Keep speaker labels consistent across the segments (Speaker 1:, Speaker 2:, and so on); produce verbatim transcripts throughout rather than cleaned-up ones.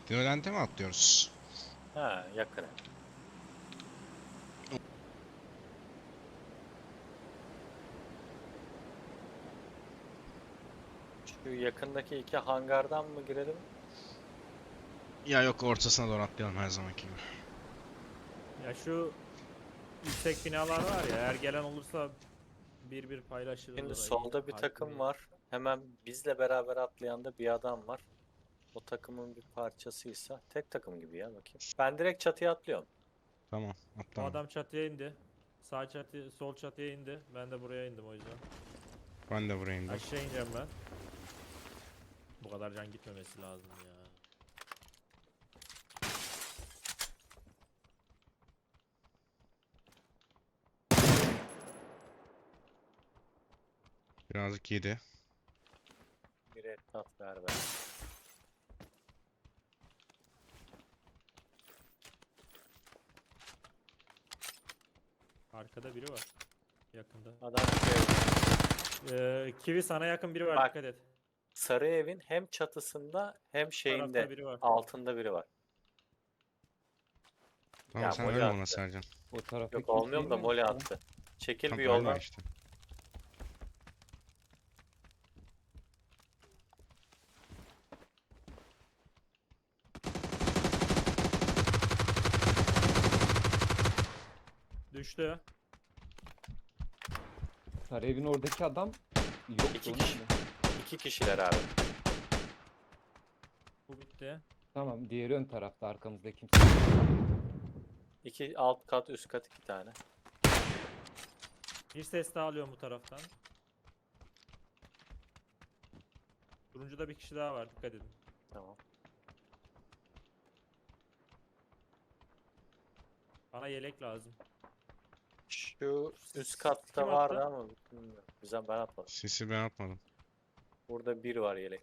Speaker 1: Violent'e mi atlıyoruz?
Speaker 2: Ha, yakın. Şu yakındaki iki hangardan mı girelim?
Speaker 1: Ya yok, ortasına doğru atlayalım her zamanki gibi.
Speaker 3: Ya şu yüksek binalar var ya, eğer gelen olursa bir bir paylaşırız
Speaker 2: Şimdi
Speaker 3: orayı.
Speaker 2: solda bir
Speaker 3: Farklı
Speaker 2: takım
Speaker 3: bir-
Speaker 2: var. Hemen bizle beraber atlayan da bir adam var. O takımın bir parçasıysa tek takım gibi ya, bakayım. Ben direkt çatıya atlıyorum.
Speaker 1: Tamam,
Speaker 3: O
Speaker 1: atla.
Speaker 3: adam çatıya indi. Sağ çatı, sol çatıya indi. Ben de buraya indim o yüzden.
Speaker 1: Ben de buraya indim.
Speaker 3: Aşağı ineceğim ben. Bu kadar can gitmemesi lazım ya.
Speaker 1: Birazcık yedi.
Speaker 2: Bir etnat ver ver.
Speaker 3: Arkada biri var. Yakında.
Speaker 2: Adam şey,
Speaker 3: Ee, Kivi sana yakın biri var,
Speaker 2: Bak.
Speaker 3: dikkat et.
Speaker 2: sarı evin hem çatısında hem
Speaker 3: Tarafta
Speaker 2: şeyinde
Speaker 3: biri var.
Speaker 2: altında biri var.
Speaker 1: Tamam,
Speaker 2: Ya
Speaker 1: sen
Speaker 2: mole
Speaker 1: ölme ona
Speaker 2: attı.
Speaker 1: Sercan.
Speaker 4: O tarafa
Speaker 2: Yok
Speaker 4: kimse
Speaker 2: olmuyorum da
Speaker 4: inmemiş
Speaker 2: mole
Speaker 4: ya.
Speaker 2: attı. Çekil
Speaker 1: Tam
Speaker 2: bir
Speaker 1: ölme
Speaker 2: yoldan.
Speaker 1: işte.
Speaker 3: Düştü.
Speaker 4: Sarayevin oradaki adam yok.
Speaker 2: İki kişi. İki kişiler abi.
Speaker 3: Bu bitti.
Speaker 4: Tamam, diğeri ön tarafta, arkamızda kimse yok.
Speaker 2: İki alt kat üst kat iki tane.
Speaker 3: Bir ses daha alıyorum bu taraftan. Turuncuda bir kişi daha var, dikkat edin.
Speaker 2: Tamam.
Speaker 3: Bana yelek lazım.
Speaker 2: Şu üst
Speaker 3: Kim
Speaker 2: katta
Speaker 3: attı?
Speaker 2: vardı ama bilmiyorum. Güzel, ben atmadım.
Speaker 1: Sisi ben atmadım.
Speaker 2: Burada bir var yelek.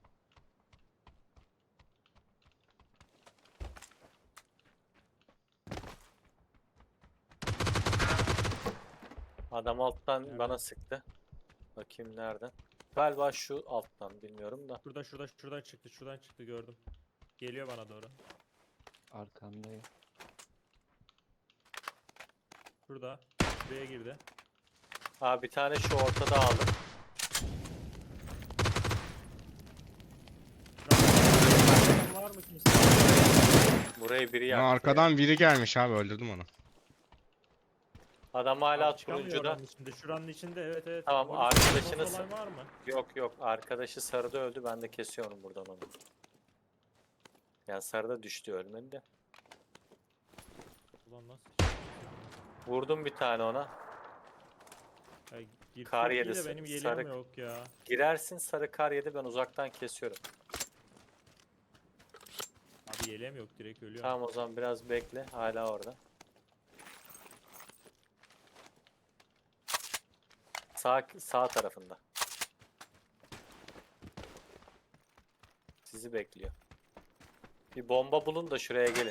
Speaker 2: Adam alttan
Speaker 3: Nerede?
Speaker 2: bana sıktı. Bakayım nereden. Galiba şu alttan, bilmiyorum da.
Speaker 3: Şurada şurada şuradan çıktı, şuradan çıktı, gördüm. Geliyor bana doğru.
Speaker 4: Arkamdayım.
Speaker 3: Şurada. Buraya girdi.
Speaker 2: Ha, bir tane şu ortada aldım.
Speaker 3: Var mı kimse?
Speaker 2: Burayı biri
Speaker 1: Ya
Speaker 2: yaktı.
Speaker 1: arkadan biri gelmiş abi, öldürdüm onu.
Speaker 2: Adam hala
Speaker 3: Abi çıkamıyor
Speaker 2: turuncuda.
Speaker 3: oranın içinde. Şuranın içinde, evet evet.
Speaker 2: Tamam,
Speaker 3: Orada
Speaker 2: arkadaşını
Speaker 3: boss olan
Speaker 2: sa-
Speaker 3: var mı?
Speaker 2: Yok yok, arkadaşı sarıda öldü, ben de kesiyorum buradan onu. Yani sarıda düştü, ölmedi de.
Speaker 3: Ulan nasıl?
Speaker 2: Vurdum bir tane ona.
Speaker 3: Ya, girsek
Speaker 2: Kar
Speaker 3: iyi
Speaker 2: yedi,
Speaker 3: de benim yeleğim
Speaker 2: sarı-
Speaker 3: yok ya.
Speaker 2: Girersin, sarı kar yedi, ben uzaktan kesiyorum.
Speaker 3: Abi yeleğim yok, direkt ölüyorum.
Speaker 2: Tamam, o zaman biraz bekle, hala orada. Sağ, sağ tarafında. Sizi bekliyor. Bir bomba bulun da şuraya gelin.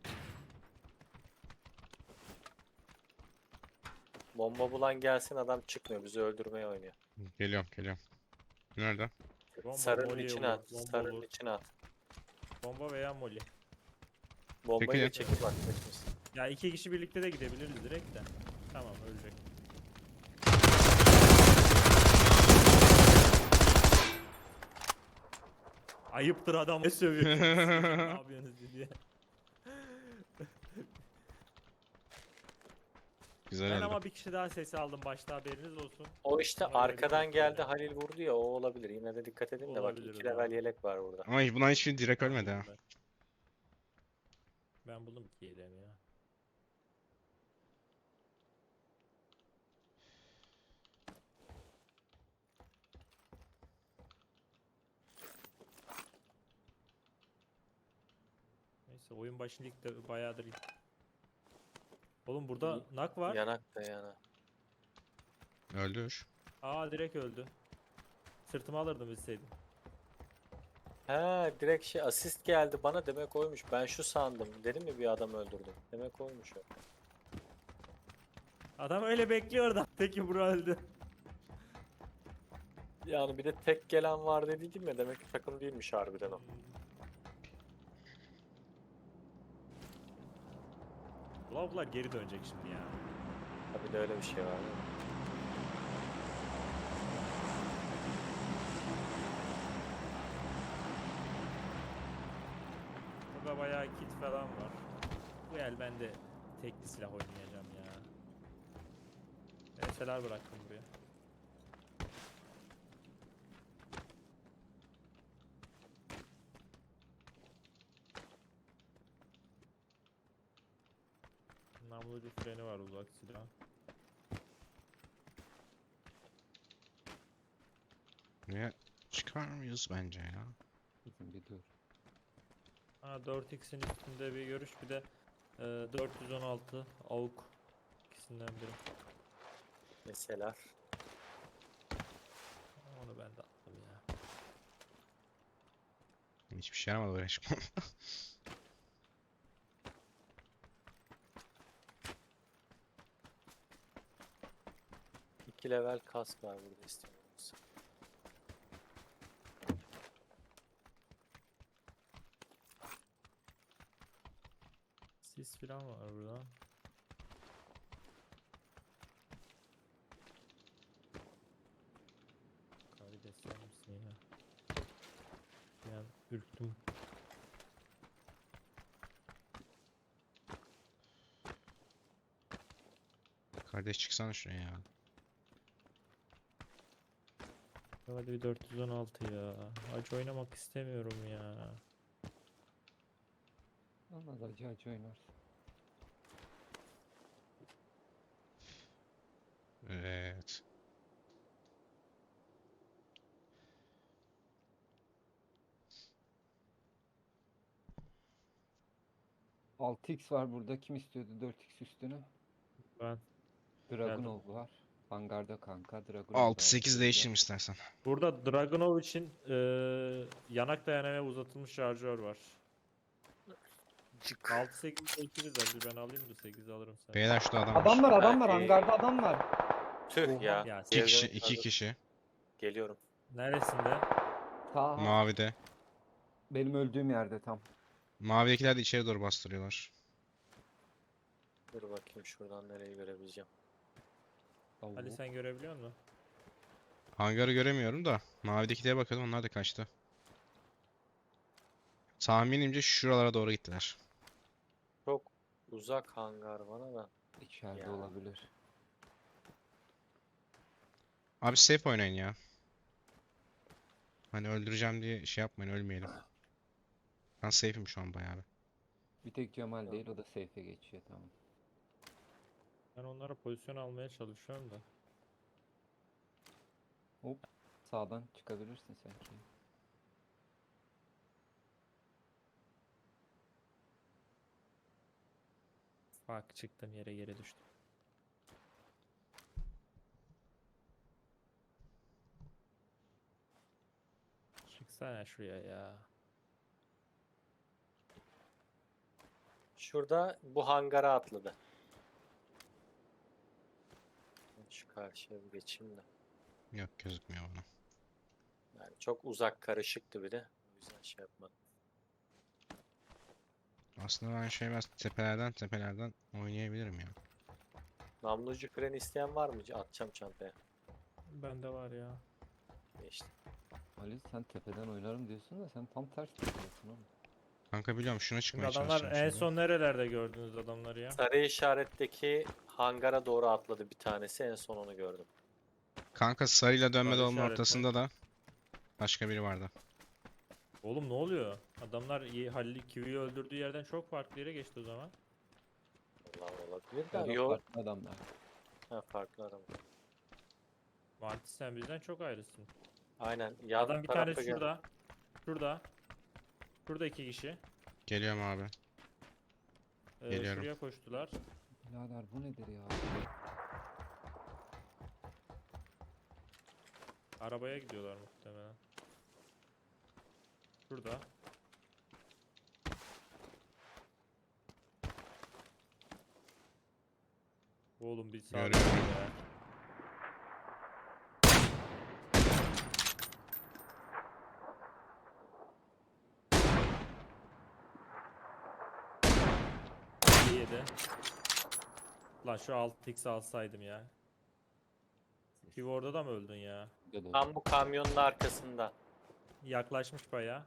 Speaker 2: Bomba bulan gelsin, adam çıkmıyor, bizi öldürmeye oynuyor.
Speaker 1: Geliyorum, geliyorum. Nerede?
Speaker 3: Bomba,
Speaker 2: Sarının
Speaker 3: molly
Speaker 2: içine
Speaker 3: olur,
Speaker 2: at,
Speaker 3: bomba
Speaker 2: sarının
Speaker 3: olur.
Speaker 2: içine at.
Speaker 3: Bomba veya molly.
Speaker 2: Bombayı da
Speaker 1: Çekilin.
Speaker 2: çekip bak. beklesin.
Speaker 3: Ya iki kişi birlikte de gidebiliriz direkt de. Tamam, ölecek. Ayıptır adam ne sövüyor. Ne yapıyorsunuz diye.
Speaker 1: Güzel
Speaker 3: Ben
Speaker 1: öldü.
Speaker 3: ama bir kişi daha sesi aldım başta, haberiniz olsun.
Speaker 2: O işte
Speaker 3: Ona göre
Speaker 2: arkadan
Speaker 3: dikkatli
Speaker 2: geldi,
Speaker 3: oynayın.
Speaker 2: Halil vurdu ya, o olabilir. Yine de dikkat edin de bak,
Speaker 3: Olabilir,
Speaker 2: iki
Speaker 3: doğru.
Speaker 2: level yelek var burada.
Speaker 1: Ama buna hiçbir direkt ölmedi ha.
Speaker 3: Ben, ben buldum ki yeleğimi ya. Neyse, oyun başında ilk de bayağıdır. Oğlum burada nak var.
Speaker 2: Yanak da yana.
Speaker 1: Öldür.
Speaker 3: Aa, direkt öldü. Sırtıma alırdım bilseydim.
Speaker 2: He, direkt şey asist geldi bana, demek oymuş. Ben şu sandım. Dedim ya bir adam öldürdüm. Demek oymuş o.
Speaker 3: Adam öyle bekliyor da. Peki bura öldü.
Speaker 2: Yani bir de tek gelen var dediydim ya, demek ki takım değilmiş harbiden o.
Speaker 3: Lavuklar geri dönecek şimdi ya.
Speaker 2: Tabii de öyle bir şey var. değil mi?
Speaker 3: Burada bayağı kit falan var. Bu el ben de tekli silah oynayacağım ya. Eseler bıraktım buraya. Namlucu freni var uzak silah.
Speaker 1: Buraya çıkar mıyız bence ya?
Speaker 4: Bizim bir dur.
Speaker 3: Ha dört x'in üstünde bir görüş, bir de e, dört yüz on altı AUK ikisinden biri.
Speaker 2: Mesela
Speaker 3: Onu ben de attım ya.
Speaker 1: Hiçbir şey yaramadı buraya çıkmam.
Speaker 2: iki level kask var burada istiyoruz.
Speaker 3: Sis falan var burada. Karides sen misin yine? Bir an ürktüm.
Speaker 1: Kardeş çıksana şuraya ya.
Speaker 3: Hadi bir dört yüz on altı ya. Acı oynamak istemiyorum ya.
Speaker 4: Olmaz, acı acı oynarsın.
Speaker 1: Evet.
Speaker 4: altı x var burada. Kim istiyordu dört x üstüne?
Speaker 3: Ben
Speaker 4: Dragunov var. Hangarda kanka. Dragunov da
Speaker 1: altı sekiz
Speaker 4: aldı.
Speaker 1: değiştireyim istersen.
Speaker 3: burada Dragunov için eee yanak dayanamaya uzatılmış şarjör var.
Speaker 2: Cık.
Speaker 3: altı sekiz değiştiririz hadi, ben alayım da sekiz alırım sen.
Speaker 1: Beyler şurada adam var.
Speaker 4: Adam var, adam var.
Speaker 2: Ee,
Speaker 4: Hangarda adam var.
Speaker 2: Tüh
Speaker 4: Oha.
Speaker 2: ya.
Speaker 3: Ya,
Speaker 1: İki
Speaker 2: Geriden
Speaker 1: kişi, iki
Speaker 2: yukarıda-
Speaker 1: kişi.
Speaker 2: Geliyorum.
Speaker 3: Neresinde?
Speaker 4: Sağ.
Speaker 1: Mavide.
Speaker 4: Benim öldüğüm yerde tam.
Speaker 1: Mavidekiler de içeri doğru bastırıyorlar.
Speaker 2: Dur bakayım şuradan nereyi görebileceğim.
Speaker 3: Ali
Speaker 4: Allah.
Speaker 3: sen görebiliyor musun?
Speaker 1: Hangarı göremiyorum da. Mavidekilere bakıyordum, onlar da kaçtı. Tahminimce şuralara doğru gittiler.
Speaker 2: Çok uzak hangar bana da.
Speaker 4: İçeride
Speaker 2: Ya.
Speaker 4: olabilir.
Speaker 1: Abi safe oynayın ya. Hani öldüreceğim diye şey yapmayın, ölmeyelim. Ben safe'im şu an bayağı bir.
Speaker 4: Bir tek Cemal
Speaker 2: Tamam.
Speaker 4: değil, o da safe'e geçiyor, tamam.
Speaker 3: Ben onlara pozisyon almaya çalışıyorum da.
Speaker 4: Hop. Sağdan çıkabilirsin sanki.
Speaker 3: Bak çıktım yere, geri düştüm. Çıksana şuraya ya.
Speaker 2: Şurada bu hangara atladı. Şu karşıya bir geçeyim de.
Speaker 1: Yok, gözükmüyor bana.
Speaker 2: Yani çok uzak, karışıktı bir de. O yüzden şey yapmadım.
Speaker 1: Aslında ben şey biraz tepelerden tepelerden oynayabilirim ya.
Speaker 2: Namlucu freni isteyen var mı? Atacağım çantaya.
Speaker 3: Bende var ya.
Speaker 2: İşte.
Speaker 4: Ali sen tepeden oynarım diyorsun da sen tam ters yapıyorsun oğlum.
Speaker 1: Kanka biliyorum, şuna
Speaker 3: Şimdi
Speaker 1: çıkmaya
Speaker 3: adamlar
Speaker 1: çalışacağım
Speaker 3: en
Speaker 1: şimdi.
Speaker 3: son nerelerde gördünüz adamları ya?
Speaker 2: Sarı işaretteki hangara doğru atladı bir tanesi. En son onu gördüm.
Speaker 1: Kanka sarıyla dönme
Speaker 3: Sarı
Speaker 1: dolma
Speaker 3: işaret mi?
Speaker 1: ortasında da başka biri vardı.
Speaker 3: Oğlum ne oluyor? Adamlar iyi- Halil Kivi'yi öldürdüğü yerden çok farklı yere geçti o zaman.
Speaker 2: Allah olabilir
Speaker 4: Ya
Speaker 2: de.
Speaker 4: da
Speaker 2: Yok.
Speaker 4: farklı adamlar.
Speaker 2: Ha, farklı araba.
Speaker 3: Martis sen bizden çok ayrısın.
Speaker 2: Aynen. Yan
Speaker 3: Adam bir
Speaker 2: tarafa
Speaker 3: tanesi
Speaker 2: gel.
Speaker 3: şurada. Şurada. Şurada iki kişi.
Speaker 1: Geliyorum abi.
Speaker 3: Ee,
Speaker 1: Geliyorum.
Speaker 3: şuraya koştular.
Speaker 4: Birader bu nedir ya?
Speaker 3: Arabaya gidiyorlar muhtemelen. Şurada. Oğlum bir sağ
Speaker 1: Görüyorum.
Speaker 3: ya. İyi de. Lan şu altı x alsaydım ya. Pivo orada da mı öldün ya?
Speaker 4: Gel
Speaker 2: Tam bu kamyonun arkasında.
Speaker 3: Yaklaşmış bayağı.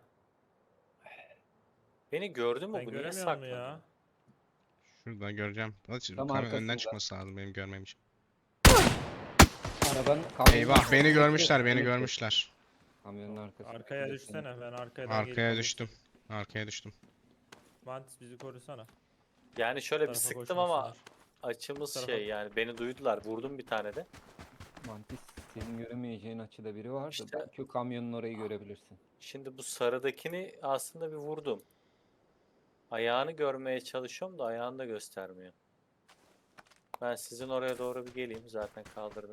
Speaker 2: Beni gördü mü
Speaker 3: Ben
Speaker 2: bu? Niye
Speaker 3: göremiyorum
Speaker 2: saklanıyor?
Speaker 3: ya.
Speaker 1: Şurada göreceğim. Hadi
Speaker 4: Tam
Speaker 1: kamera önden
Speaker 4: arkasında.
Speaker 1: çıkması lazım benim görmem için.
Speaker 4: Arabanın kamyonun
Speaker 1: Eyvah
Speaker 4: arkasında
Speaker 1: beni
Speaker 4: bekle,
Speaker 1: görmüşler beni
Speaker 4: bekle.
Speaker 1: görmüşler.
Speaker 4: Kamyonun arkasında.
Speaker 3: Arkaya
Speaker 4: bekle,
Speaker 3: düşsene. Ben arkadan
Speaker 1: Arkaya
Speaker 3: gelip
Speaker 1: düştüm. Arkaya düştüm.
Speaker 3: Mantis bizi korusana.
Speaker 2: Yani şöyle bir
Speaker 3: Tarafa
Speaker 2: sıktım ama
Speaker 3: koşmasınlar.
Speaker 2: açımız
Speaker 3: Tarafa-
Speaker 2: şey yani beni duydular. Vurdum bir tane de.
Speaker 4: Mantis senin göremeyeceğin açıda biri vardı.
Speaker 2: İşte-
Speaker 4: Belki o kamyonun orayı görebilirsin.
Speaker 2: Şimdi bu sarıdakini aslında bir vurdum. Ayağını görmeye çalışıyorum da ayağını da göstermiyor. Ben sizin oraya doğru bir geleyim. Zaten kaldırdım.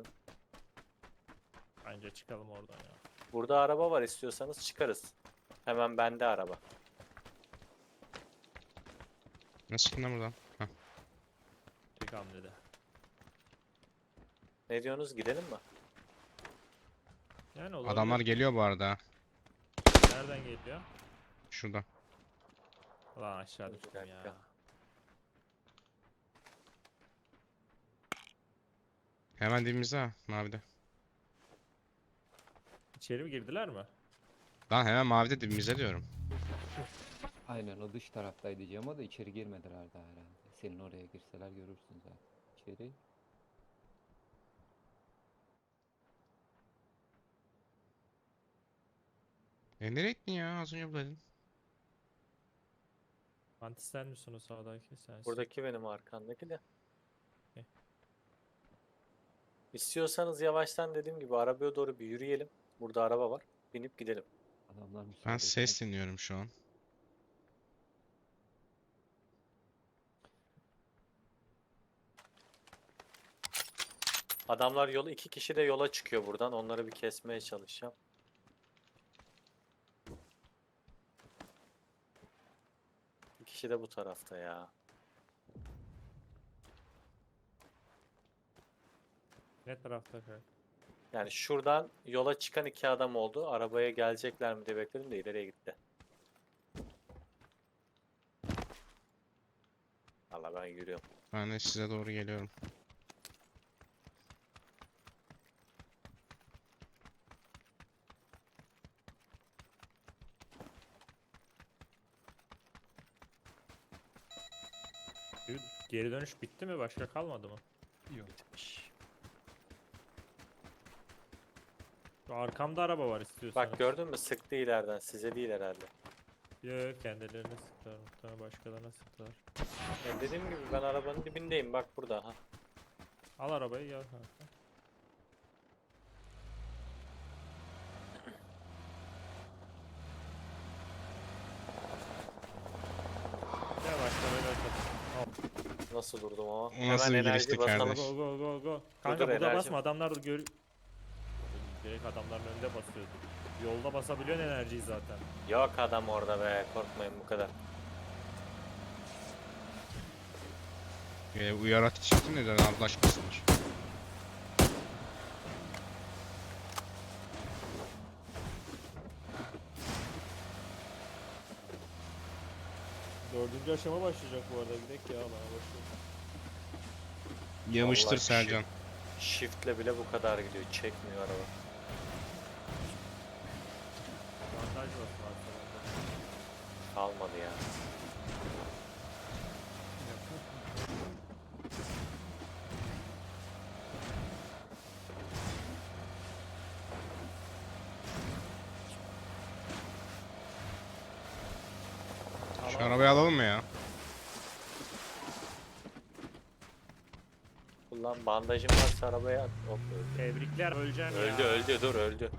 Speaker 3: Bence çıkalım oradan ya.
Speaker 2: Burada araba var, istiyorsanız çıkarız. Hemen bende araba.
Speaker 1: Nasıl çıktın lan buradan? Hah.
Speaker 3: Tek hamlede.
Speaker 2: Ne diyorsunuz? Gidelim mi?
Speaker 3: Yani olabilir.
Speaker 1: Adamlar geliyor bu arada. ha.
Speaker 3: Nereden geliyor?
Speaker 1: Şurada.
Speaker 3: Ulan aşağı
Speaker 2: Bir
Speaker 3: düştüm
Speaker 2: dakika.
Speaker 3: ya.
Speaker 1: Hemen dibimizde ha. Mavide.
Speaker 3: İçeri mi girdiler mi?
Speaker 1: Lan hemen mavide dibimizde diyorum.
Speaker 4: Aynen o dış taraftaydı diyeceğim o da içeri girmediler daha herhalde. Senin oraya girseler görürsün zaten. İçeri.
Speaker 1: E nereye gittin ya? Az önce buradaydın.
Speaker 3: Mantis sen misin o sağdaki? Sensin.
Speaker 2: Buradaki benim arkamdaki de.
Speaker 3: Okey.
Speaker 2: İstiyorsanız yavaştan dediğim gibi arabaya doğru bir yürüyelim. Burada araba var. Binip gidelim.
Speaker 4: Adamlar müsaade
Speaker 1: Ben
Speaker 4: etmez.
Speaker 1: ses dinliyorum şu an.
Speaker 2: Adamlar yola iki kişi de yola çıkıyor buradan. Onları bir kesmeye çalışacağım. Bir kişi de bu tarafta ya.
Speaker 3: Ne tarafta kay?
Speaker 2: Yani şuradan yola çıkan iki adam oldu. Arabaya gelecekler mi diye bekledim de ileriye gitti. Valla ben yürüyorum.
Speaker 1: Ben de size doğru geliyorum.
Speaker 3: Geri dönüş bitti mi? Başka kalmadı mı?
Speaker 2: Bitmiş.
Speaker 3: Şu arkamda araba var istiyorsanız.
Speaker 2: Bak gördün mü? Sıktı ileriden. Size değil herhalde.
Speaker 3: Yok kendilerine sıktılar. Muhtemelen başkalarına sıktılar.
Speaker 2: Ya dediğim gibi ben arabanın dibindeyim. Bak burada. Ha.
Speaker 3: Al arabayı gel kanka. Gel başkalarıyla çatış.
Speaker 2: Nasıl durdum ama?
Speaker 1: O nasıl
Speaker 2: Hemen
Speaker 1: bir
Speaker 2: enerji
Speaker 1: girişti
Speaker 2: basalım.
Speaker 1: kardeş?
Speaker 3: Go go go go. Kanka
Speaker 2: dur,
Speaker 3: burada
Speaker 2: enerji-
Speaker 3: basma adamlar gör... Direkt adamların önünde basıyordu. Yolda basabiliyorsun enerjiyi zaten.
Speaker 2: Yok adam orada be. Korkmayın bu kadar.
Speaker 1: E, uyarak çıktın neden anlaşmasınlar.
Speaker 3: Dördüncü aşama başlayacak bu arada. Gidelim ya bana başlıyor.
Speaker 1: Yamıştır
Speaker 2: Vallahi
Speaker 1: Sercan.
Speaker 2: Shift'le bile bu kadar gidiyor. Çekmiyor araba.
Speaker 3: Bandaj basın arkadan.
Speaker 2: Kalmadı ya.
Speaker 1: Şu arabayı alalım mı ya?
Speaker 2: Ulan bandajım varsa arabaya at. Hop öldü.
Speaker 3: Tebrikler öleceğim ya.
Speaker 2: Öldü öldü dur öldü.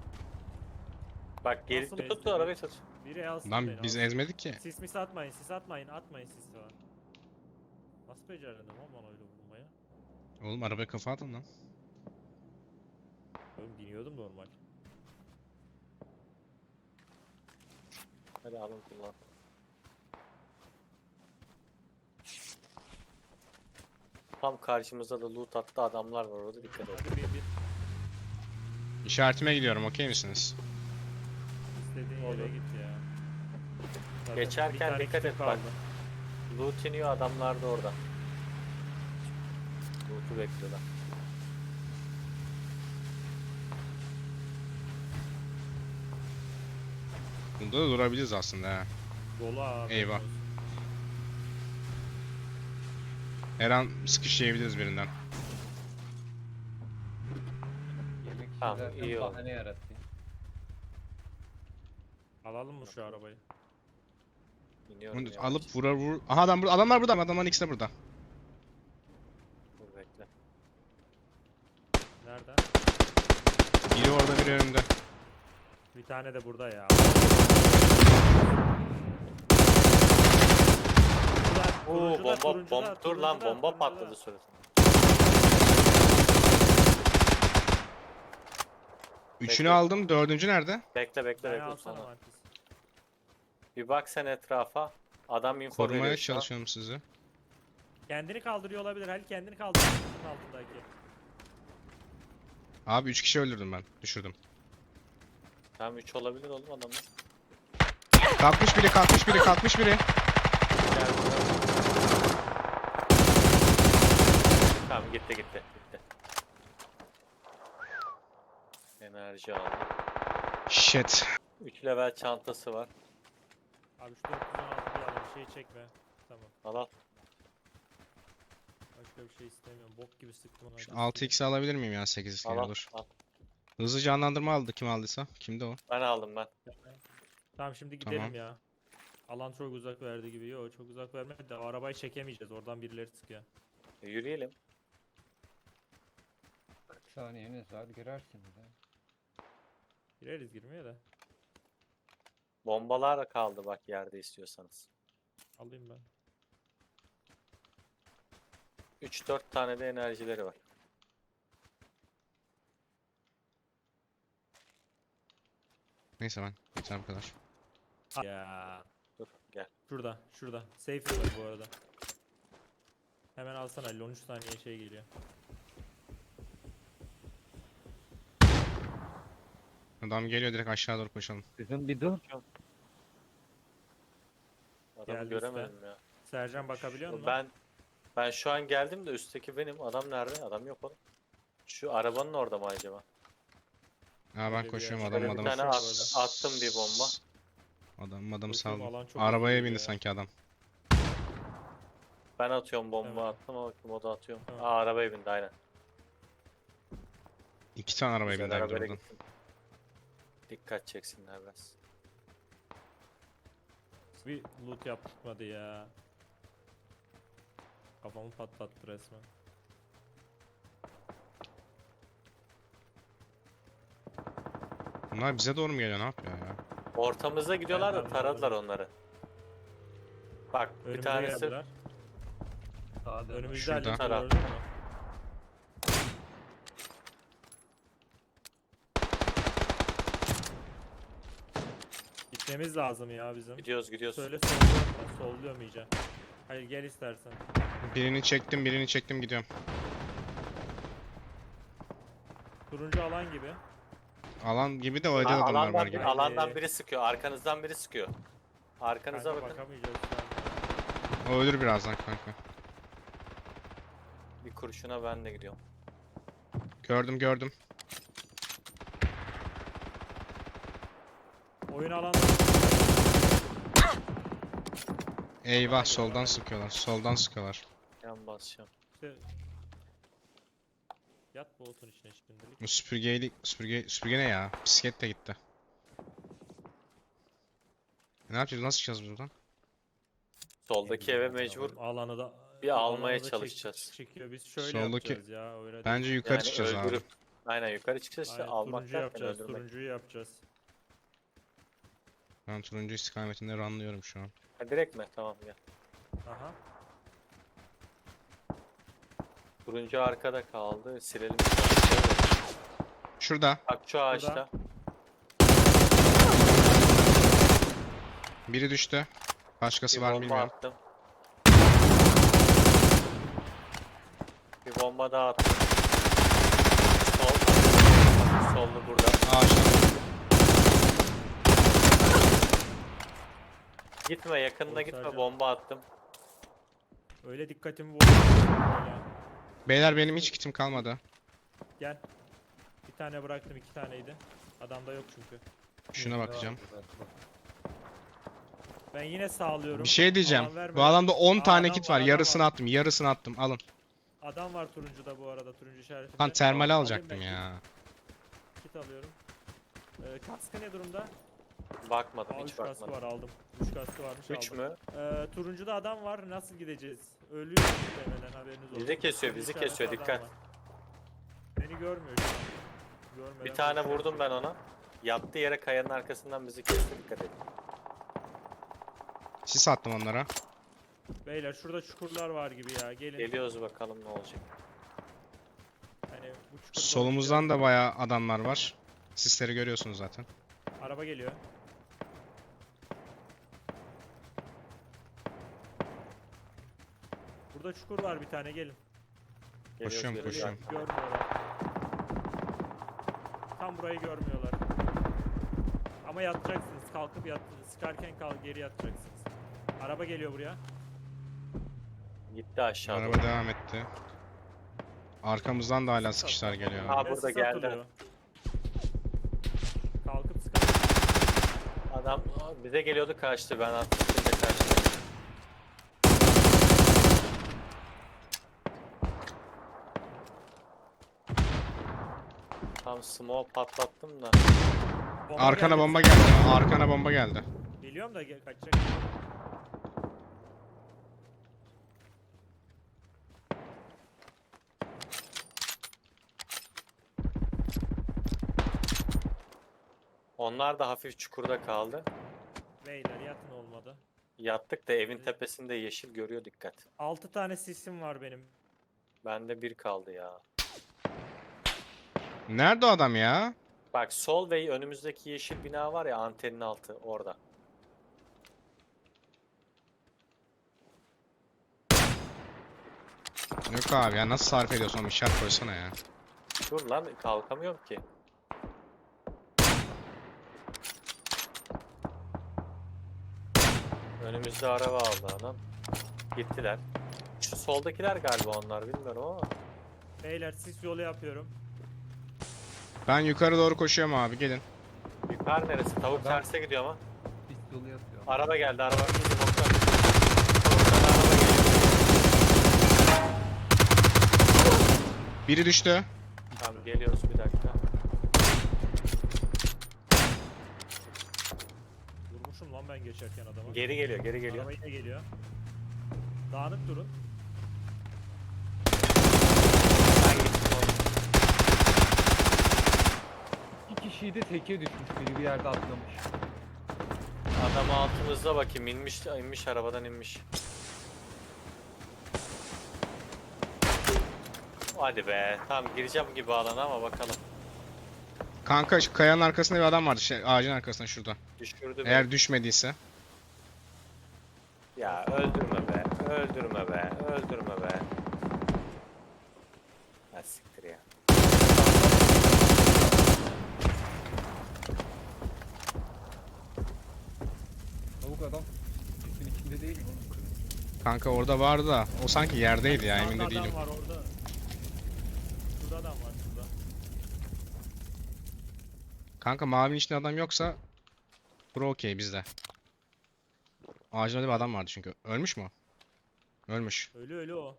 Speaker 2: Bak geri
Speaker 3: Nasıl
Speaker 2: tut
Speaker 3: bezdi?
Speaker 2: arabayı tut.
Speaker 3: Biri alsın
Speaker 1: Lan
Speaker 3: beni,
Speaker 1: biz
Speaker 3: alsın.
Speaker 1: ezmedik ki.
Speaker 3: Sis mis atmayın, sis atmayın, atmayın sis falan. Nasıl becerdim oğlum bana öyle vurmayı?
Speaker 1: Oğlum arabaya kafa atın lan.
Speaker 3: Oğlum biniyordum normal.
Speaker 2: Hadi alın kullan. Tam karşımızda da loot attı adamlar var orada dikkat et.
Speaker 3: Hadi bir bir
Speaker 1: İşaretime gidiyorum okey misiniz?
Speaker 3: istediğin
Speaker 2: Olur.
Speaker 3: yere git ya. Zaten
Speaker 2: Geçerken
Speaker 3: bir tane
Speaker 2: dikkat
Speaker 3: kitim
Speaker 2: et bak.
Speaker 3: kaldı.
Speaker 2: Loot iniyor adamlar da orada. Üstü bekliyorlar.
Speaker 1: Bunda da durabiliriz aslında ha.
Speaker 3: Dolu abi.
Speaker 1: Eyvah. Her an sıkış yiyebiliriz birinden.
Speaker 4: Yemek için
Speaker 2: Tamam,
Speaker 4: zaten
Speaker 2: iyi oldu.
Speaker 4: bahane yaratıyor.
Speaker 3: Alalım mı şu arabayı?
Speaker 2: İniyorum
Speaker 1: Bunu
Speaker 2: yavaş.
Speaker 1: alıp vurar vur. Aha adam burada. Adamlar burada. Adamların ikisi de burada.
Speaker 2: Dur bekle.
Speaker 3: Nerede?
Speaker 1: Biri orada, biri önümde.
Speaker 3: Bir tane de burada ya.
Speaker 2: Oo
Speaker 3: Turuncular,
Speaker 2: bomba
Speaker 3: turuncular,
Speaker 2: bomba dur lan
Speaker 3: turuncular,
Speaker 2: bomba
Speaker 3: turuncular.
Speaker 2: patladı suratına.
Speaker 1: Üçünü
Speaker 2: Bekle.
Speaker 1: aldım. Dördüncü nerede?
Speaker 2: Bekle bekle
Speaker 3: Ben
Speaker 2: bekle
Speaker 3: alsana
Speaker 2: sonra.
Speaker 3: Marcus.
Speaker 2: Bir bak sen etrafa. Adam info
Speaker 1: Korumaya
Speaker 2: veriyor şu an.
Speaker 1: çalışıyorum sizi.
Speaker 3: Kendini kaldırıyor olabilir. Halil kendini kaldırıyor. Bunun altındaki.
Speaker 1: Abi üç kişi öldürdüm ben. Düşürdüm.
Speaker 2: Tamam üç olabilir oğlum adamlar.
Speaker 1: Kalkmış biri, kalkmış biri, kalkmış biri.
Speaker 2: Gel buraya. Tamam gitti gitti gitti. Enerji aldı.
Speaker 1: Shit.
Speaker 2: üç level çantası var.
Speaker 3: Abi şu dört yüz on altı bir alalım. Şey çekme. Tamam.
Speaker 2: Al al.
Speaker 3: Başka bir şey istemiyorum. Bok gibi sıktım ona.
Speaker 1: Şu altı x'i alabilir miyim ya sekiz x
Speaker 2: Al al.
Speaker 1: olur.
Speaker 2: al.
Speaker 1: Hızlı canlandırma aldı kim aldıysa. Kimdi o?
Speaker 2: Ben aldım ben.
Speaker 3: Tamam şimdi gidelim
Speaker 1: Tamam.
Speaker 3: ya. Alan çok uzak verdi gibi. Yok çok uzak vermedi de o arabayı çekemeyeceğiz. Oradan birileri sıkıyor.
Speaker 2: E, yürüyelim.
Speaker 4: kırk saniyeniz var girersiniz ha.
Speaker 3: Gireriz girmeye de.
Speaker 2: Bombalar da kaldı bak yerde istiyorsanız.
Speaker 3: Alayım ben.
Speaker 2: üç dört tane de enerjileri var.
Speaker 1: Neyse ben. Yeter bu kadar.
Speaker 3: Ya.
Speaker 2: Dur gel.
Speaker 3: Şurada. Şurada. Safe var bu arada. Hemen alsana Halil. on üç saniye şey geliyor.
Speaker 1: Adam geliyor, direkt aşağı doğru koşalım.
Speaker 4: Kızım bir dur.
Speaker 2: Adamı
Speaker 3: Geldi
Speaker 2: göremedim ya.
Speaker 3: Sercan bakabiliyor
Speaker 2: Şu-
Speaker 3: musun?
Speaker 2: Ben ben şu an geldim de üstteki benim. Adam nerede? Adam yok oğlum. Şu arabanın orada mı acaba?
Speaker 1: Ha ben
Speaker 3: Öyle bir
Speaker 1: koşuyorum
Speaker 3: yer.
Speaker 1: adam
Speaker 2: Şöyle bir
Speaker 1: adamı.
Speaker 2: tane
Speaker 3: at-
Speaker 2: attım bir bomba.
Speaker 1: Adam adamı
Speaker 3: Koşuyorum,
Speaker 1: saldım.
Speaker 3: alan çok
Speaker 1: Arabaya
Speaker 3: hızlı
Speaker 1: bindi
Speaker 3: geliyor ya.
Speaker 1: sanki adam.
Speaker 2: Ben atıyorum bomba
Speaker 3: Tamam.
Speaker 2: attım ama kim o da atıyorum.
Speaker 3: Tamam.
Speaker 2: Aa arabaya bindi aynen.
Speaker 1: İki tane arabaya
Speaker 2: Güzel
Speaker 1: bindi abi
Speaker 2: arabayla
Speaker 1: oradan.
Speaker 2: gittim. Dikkat çeksinler biraz.
Speaker 3: Bir loot yapmadı ya. Kafamı patlattı resmen.
Speaker 1: Bunlar bize doğru mu geliyor, ne yapıyor ya?
Speaker 2: Ortamıza gidiyorlar da
Speaker 3: ben
Speaker 2: taradılar
Speaker 3: anladım.
Speaker 2: onları. Bak bir
Speaker 3: Önümüze
Speaker 2: tanesi
Speaker 3: geldiler.
Speaker 4: Sağda.
Speaker 3: Önümüzde
Speaker 1: Şurada.
Speaker 3: Halil
Speaker 2: Taraf.
Speaker 3: gördün mü? Gitmemiz lazım ya bizim.
Speaker 2: gidiyoruz gidiyoruz.
Speaker 3: Söyle solluyorum ben. Solluyorum iyice. Hayır gel istersen.
Speaker 1: Birini çektim, birini çektim, gidiyorum.
Speaker 3: Turuncu alan gibi.
Speaker 1: Alan gibi de o
Speaker 2: Aa,
Speaker 1: evde de adamlar var
Speaker 2: alandan,
Speaker 1: gibi.
Speaker 2: bir, alandan
Speaker 3: Haydi.
Speaker 2: biri sıkıyor. Arkanızdan biri sıkıyor. Arkanıza
Speaker 3: Kanka
Speaker 2: bakın.
Speaker 3: bakamayacağız şu an.
Speaker 1: O ölür birazdan kanka.
Speaker 2: Bir kurşuna ben de gidiyorum.
Speaker 1: Gördüm gördüm.
Speaker 3: Oyun alan.
Speaker 1: Eyvah,
Speaker 3: Bana
Speaker 1: soldan
Speaker 3: geliyor,
Speaker 1: sıkıyorlar. Soldan sıkıyorlar.
Speaker 2: Yan basacağım.
Speaker 3: İşte... Yat bu otun içine şimdilik.
Speaker 1: Bu süpürgeyle süpürge süpürge ne ya? Bisiklet de gitti. Ne yapacağız? Nasıl çıkacağız biz buradan?
Speaker 2: Soldaki eve mecbur.
Speaker 3: Alanı da
Speaker 2: bir almaya
Speaker 3: alanı da çek-
Speaker 2: çalışacağız.
Speaker 3: Çekiyor. Biz şöyle
Speaker 1: Soldaki-
Speaker 3: yapacağız ya. Öyle değil.
Speaker 1: Bence yukarı
Speaker 2: Yani
Speaker 1: çıkacağız abi.
Speaker 2: öldürüp. Aynen yukarı çıkacağız işte
Speaker 3: Aynen,
Speaker 2: almak
Speaker 3: turuncu
Speaker 2: derken
Speaker 3: yapacağız.
Speaker 2: öldürmek.
Speaker 3: Turuncuyu yapacağız.
Speaker 1: Ben turuncu istikametinde runlıyorum şu an.
Speaker 2: Ha, direkt mi? Tamam gel.
Speaker 3: Aha.
Speaker 2: Turuncu arkada kaldı. Silelim.
Speaker 1: Şurada.
Speaker 2: Bak şu ağaçta.
Speaker 1: Biri düştü. Başkası
Speaker 2: Bir
Speaker 1: var mı
Speaker 2: bomba
Speaker 1: bilmiyorum.
Speaker 2: attım. Bir bomba daha attım. Sol. Sollu burada.
Speaker 1: Ağaçta.
Speaker 2: Gitme yakınına
Speaker 3: Oğlum
Speaker 2: gitme
Speaker 3: Sercan.
Speaker 2: bomba attım.
Speaker 3: Öyle dikkatimi vurdu. Öyle.
Speaker 1: Beyler benim hiç kitim kalmadı.
Speaker 3: Gel. Bir tane bıraktım, iki taneydi. Adamda yok çünkü.
Speaker 1: Şuna bakacağım.
Speaker 3: Ben yine sağlıyorum.
Speaker 1: Bir şey diyeceğim.
Speaker 3: Alan verme.
Speaker 1: Bu adamda on
Speaker 3: Aa,
Speaker 1: tane
Speaker 3: adam
Speaker 1: kit
Speaker 3: var,
Speaker 1: var.
Speaker 3: adam
Speaker 1: Yarısını
Speaker 3: var.
Speaker 1: attım. Yarısını attım. Alın.
Speaker 3: Adam var turuncuda bu arada, turuncu işaretinde.
Speaker 1: Lan termali
Speaker 3: Alayım
Speaker 1: alacaktım
Speaker 3: ben
Speaker 1: ya.
Speaker 3: Kit, kit alıyorum. Ee, kaskı ne durumda?
Speaker 2: Bakmadım,
Speaker 3: Aa, üç
Speaker 2: hiç
Speaker 3: kaskı
Speaker 2: bakmadım.
Speaker 3: var, aldım. üç kaskı varmış,
Speaker 2: üç
Speaker 3: aldım.
Speaker 2: mü?
Speaker 3: Ee, turuncuda adam var, nasıl gideceğiz? Ölüyor muhtemelen, haberiniz olsun.
Speaker 2: Bizi kesiyor,
Speaker 3: Turuncu
Speaker 2: bizi
Speaker 3: işaretli
Speaker 2: kesiyor,
Speaker 3: adam
Speaker 2: dikkat.
Speaker 3: var. Beni görmüyor şu an. Görmeden
Speaker 2: Bir tane
Speaker 3: koşuyor.
Speaker 2: vurdum ben ona. Yattığı yere kayanın arkasından bizi kesti, dikkat edin.
Speaker 1: Sis attım onlara.
Speaker 3: Beyler şurada çukurlar var gibi ya, gelin.
Speaker 2: Geliyoruz bakalım ne olacak.
Speaker 3: Hani bu çukurda
Speaker 1: Solumuzdan da bayağı adamlar var. Sisleri görüyorsunuz zaten.
Speaker 3: araba geliyor. Burada çukur var bir tane, gelin.
Speaker 2: Geliyoruz,
Speaker 1: Koşuyorum,
Speaker 2: geliyoruz.
Speaker 1: koşuyorum.
Speaker 3: Görmüyorlar. Tam burayı görmüyorlar. Ama yatacaksınız. Kalkıp yat, sıkarken kalk, geri yatacaksınız. Araba geliyor buraya.
Speaker 2: Gitti aşağıda.
Speaker 1: Araba devam etti. Arkamızdan da hala sıkışlar geliyor.
Speaker 2: Ha,
Speaker 3: Yine
Speaker 2: burada
Speaker 3: sis
Speaker 2: geldi.
Speaker 3: atılıyor. Kalkıp sıkar.
Speaker 2: Adam bize geliyordu, kaçtı. Ben attım, şimdi kaçtı. Tam smoke patlattım da.
Speaker 3: Bomba
Speaker 1: Arkana
Speaker 3: geldi.
Speaker 1: bomba geldi. Arkana bomba geldi.
Speaker 3: Biliyorum da gel, kaçacak.
Speaker 2: Onlar da hafif çukurda kaldı.
Speaker 3: Beyler yatın, olmadı.
Speaker 2: Yattık da evin tepesinde yeşil görüyor, dikkat.
Speaker 3: altı tane sisim var benim.
Speaker 2: Bende bir kaldı ya.
Speaker 1: Nerede o adam ya?
Speaker 2: Bak sol ve önümüzdeki yeşil bina var ya, antenin altı orada.
Speaker 1: Yok abi ya, nasıl sarf ediyorsun oğlum, işaret koysana ya.
Speaker 2: Dur lan, kalkamıyorum ki. Önümüzde araba aldı adam. Gittiler. Şu soldakiler galiba onlar, bilmiyorum ama.
Speaker 3: Beyler sis yolu yapıyorum.
Speaker 1: Ben yukarı doğru koşuyorum abi, gelin.
Speaker 2: Yukarı neresi? Tavuk
Speaker 4: Ben-
Speaker 2: terse gidiyor ama.
Speaker 4: Pist yolu yapıyor.
Speaker 2: Araba geldi, araba. Tavuktan Tavuktan araba geliyor.
Speaker 1: Biri düştü.
Speaker 2: Tamam, geliyoruz, bir dakika.
Speaker 3: Vurmuşum lan ben geçerken adamı.
Speaker 2: Geri geliyor, geri geliyor.
Speaker 3: Araba yine geliyor. Dağınık durun.
Speaker 2: Ben gittim oğlum.
Speaker 4: İki kişiyi de teke düşmüş. Biri bir yerde atlamış.
Speaker 2: Adam altımızda, bakayım, inmiş, inmiş arabadan inmiş. Hadi be, tamam gireceğim gibi alana ama bakalım.
Speaker 1: Kanka şu kayanın arkasında bir adam vardı, şey, ağacın arkasında şurada.
Speaker 2: Düşürdü beni.
Speaker 1: Eğer düşmediyse.
Speaker 2: Ya öldürme be, öldürme be, öldürme be. Ha siktir ya.
Speaker 4: Tavuk adam. Pistin içinde değil mi oğlum?
Speaker 1: Kanka orada vardı da o sanki yerdeydi ya, emin
Speaker 3: Sağda
Speaker 1: de değilim.
Speaker 3: adam var orada. Şurada adam var şurada.
Speaker 1: Kanka mavinin içinde adam yoksa bro okey bizde. Ağacın orada bir adam vardı çünkü. Ölmüş mü o? Ölmüş.
Speaker 3: Ölü ölü o.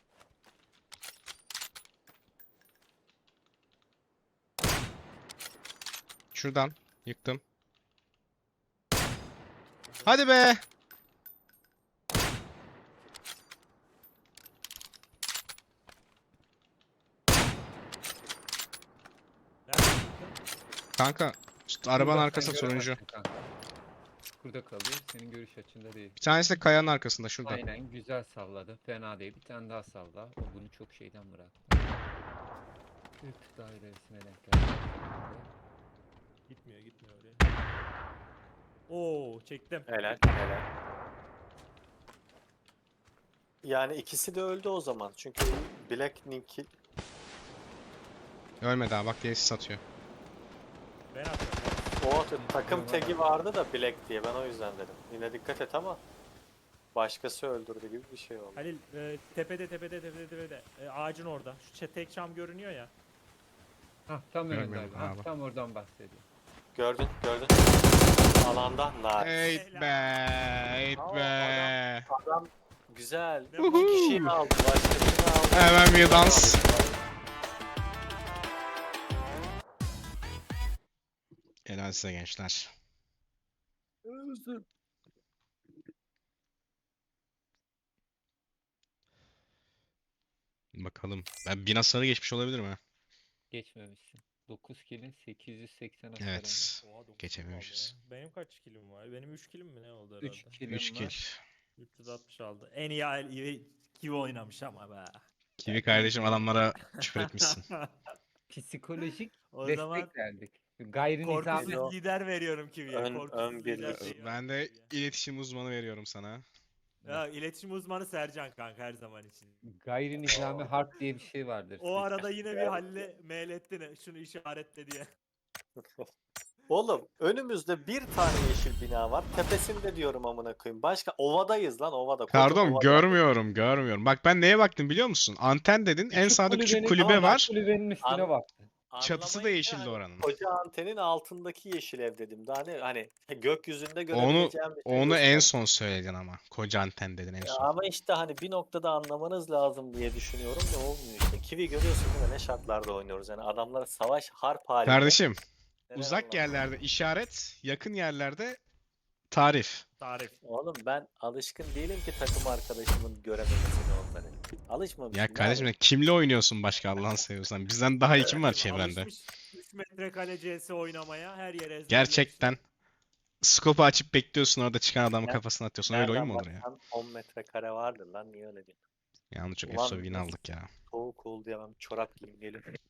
Speaker 1: Şuradan yıktım. Hadi be.
Speaker 3: Nerede çıktın?
Speaker 1: Kanka şu arabanın
Speaker 4: Şurada,
Speaker 1: arkasında
Speaker 4: sen
Speaker 1: turuncu.
Speaker 4: göremezsin kanka. Burada kalıyor. Senin görüş açında değil.
Speaker 1: Bir tanesi de kayanın arkasında şurada.
Speaker 4: Aynen, güzel salladı. Fena değil. Bir tane daha salla. O bunu çok şeyden bıraktı. Bir tık daha ilerisine denk geldi.
Speaker 3: Gitmiyor gitmiyor oraya. Oo çektim.
Speaker 2: Helal, helal. Yani ikisi de öldü o zaman. Çünkü Black Nick
Speaker 1: Ölmedi ha, bak diye satıyor.
Speaker 3: Ben atıyorum.
Speaker 2: o takım tagi vardı da Black diye, ben o yüzden dedim. Yine dikkat et ama başkası öldürdü gibi bir şey oldu.
Speaker 3: Halil e, tepede tepede tepede tepede. E, ağacın orada. Şu çe- tek çam görünüyor ya.
Speaker 4: Hah tam
Speaker 1: Görmüyorum
Speaker 4: önünde abi. Hah,
Speaker 1: abi.
Speaker 4: tam oradan bahsediyor.
Speaker 2: Gördün, gördün. Alanda nice.
Speaker 1: Eyt be, eyt
Speaker 2: Aa,
Speaker 1: be.
Speaker 2: Adam güzel.
Speaker 3: Ne
Speaker 2: İki
Speaker 3: bu?
Speaker 2: kişiyi aldı, başkasını aldı.
Speaker 1: Hemen bir dans. Helal size gençler. Bakalım. Ben bin hasarı geçmiş olabilir mi?
Speaker 4: Geçmemişsin. dokuz kill'in sekiz yüz seksen hasarın var.
Speaker 1: Evet.
Speaker 3: Oha, dokuz kill
Speaker 1: Geçememişiz.
Speaker 3: aldı ya. Benim kaç kilim var? Benim üç kilim mi ne oldu herhalde?
Speaker 4: üç kill'in
Speaker 1: üç kill.
Speaker 4: var.
Speaker 3: üç yüz altmış aldı. En iyi al- iyi Kivi oynamış ama be.
Speaker 1: Kivi kardeşim adamlara küfür etmişsin.
Speaker 4: Psikolojik
Speaker 3: O
Speaker 4: destek
Speaker 3: zaman
Speaker 4: verdik. Gayri nizami.
Speaker 3: korkusuz lider veriyorum Kivi'ye.
Speaker 2: Ön-
Speaker 3: Korkusuz
Speaker 2: ön
Speaker 3: lider
Speaker 2: birlik.
Speaker 3: şeyi var
Speaker 1: Ben de
Speaker 3: Kivi'ye.
Speaker 1: iletişim uzmanı veriyorum sana.
Speaker 3: Ya iletişim uzmanı Sercan kanka her zaman için.
Speaker 4: Gayri nizami harp diye bir şey vardır.
Speaker 3: O arada yine bir Halil'e mail ettin şunu işaretle diye.
Speaker 2: Oğlum önümüzde bir tane yeşil bina var. Tepesinde diyorum amına koyayım. Başka ovadayız lan ovada. Koca
Speaker 1: Pardon
Speaker 2: ovada.
Speaker 1: görmüyorum görmüyorum. Bak ben neye baktım biliyor musun? Anten dedin. En sağda küçük
Speaker 4: kulübenin-
Speaker 1: kulübe
Speaker 4: Ama bak
Speaker 1: var.
Speaker 4: Kulübenin üstüne
Speaker 2: An-
Speaker 4: bak.
Speaker 1: Çatısı da
Speaker 2: Anlamayınca
Speaker 1: yeşildi
Speaker 2: hani
Speaker 1: oranın.
Speaker 2: Koca antenin altındaki yeşil ev dedim. Daha ne hani gökyüzünde
Speaker 1: Onu
Speaker 2: görebileceğim bir şey
Speaker 1: onu en
Speaker 2: gösterdi.
Speaker 1: son söyledin ama. Koca anten dedin en
Speaker 2: Ya
Speaker 1: son.
Speaker 2: ama işte hani bir noktada anlamanız lazım diye düşünüyorum da olmuyor işte. Kivi görüyorsun değil mi? Ne şartlarda oynuyoruz yani adamlara savaş harp halinde.
Speaker 1: Kardeşim
Speaker 2: neler
Speaker 1: uzak
Speaker 2: anlatıyor.
Speaker 1: yerlerde işaret, yakın yerlerde tarif.
Speaker 3: Tarif.
Speaker 2: Oğlum ben alışkın değilim ki takım arkadaşımın görememesine onları. Alışmamışım.
Speaker 1: Ya
Speaker 2: ne
Speaker 1: kardeşim
Speaker 2: yapayım?
Speaker 1: kimle oynuyorsun başka Allah'ını seviyorsan? Bizden daha iyi kim var çevrende?
Speaker 3: Alışmış üç metrekare C S oynamaya her yere ezberlemiş.
Speaker 1: Gerçekten. Skopu açıp bekliyorsun orada çıkan adamın
Speaker 2: Ne-
Speaker 1: kafasına atıyorsun. Öyle oyun
Speaker 2: Nereden
Speaker 1: mu olur ya?
Speaker 2: baksan on metrekare vardır lan niye öyle diyorsun?
Speaker 1: Yalnız çok
Speaker 2: Ulan
Speaker 1: efsane win
Speaker 2: nasıl-
Speaker 1: aldık ya.
Speaker 2: Soğuk oldu ya ben çorap giyeyim geliyorum.